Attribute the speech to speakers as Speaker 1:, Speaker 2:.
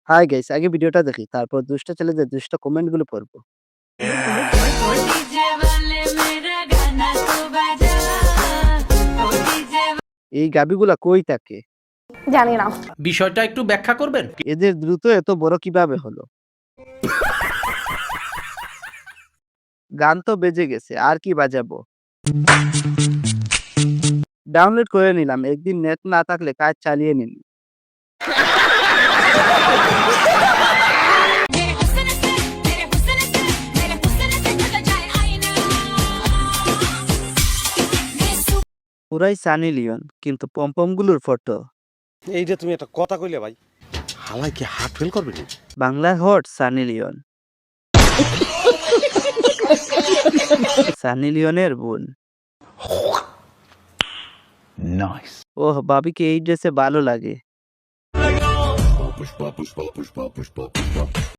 Speaker 1: Hi guys, আগে ভিডিওটা দেখি, তারপর দুষ্ট ছেলেদের দুষ্ট কমেন্টগুলো পড়বো। এই গাবিগুলা কই থাকে?
Speaker 2: জানি না।
Speaker 3: বিষয়টা একটু ব্যাখ্যা করবেন?
Speaker 1: এদের দ্রুত এত বড় কিভাবে হলো? গান তো বেজে গেছে, আর কি বাজাবো? ডাউনলোড করে নিলাম, একদিন নেট না থাকলে কাজ চালিয়ে নিন। পুরাই সানি লিওন, কিন্তু পমপমগুলোর ফটো।
Speaker 4: এই যে তুমি একটা কথা কইলে ভাই, হালাই কি হার্ট ফেল করবে নি?
Speaker 1: Bangla hot Sunny Leone. Sunny লিওনের বোন। ওহ, ভাবিকে এই ড্রেসে ভালো লাগে।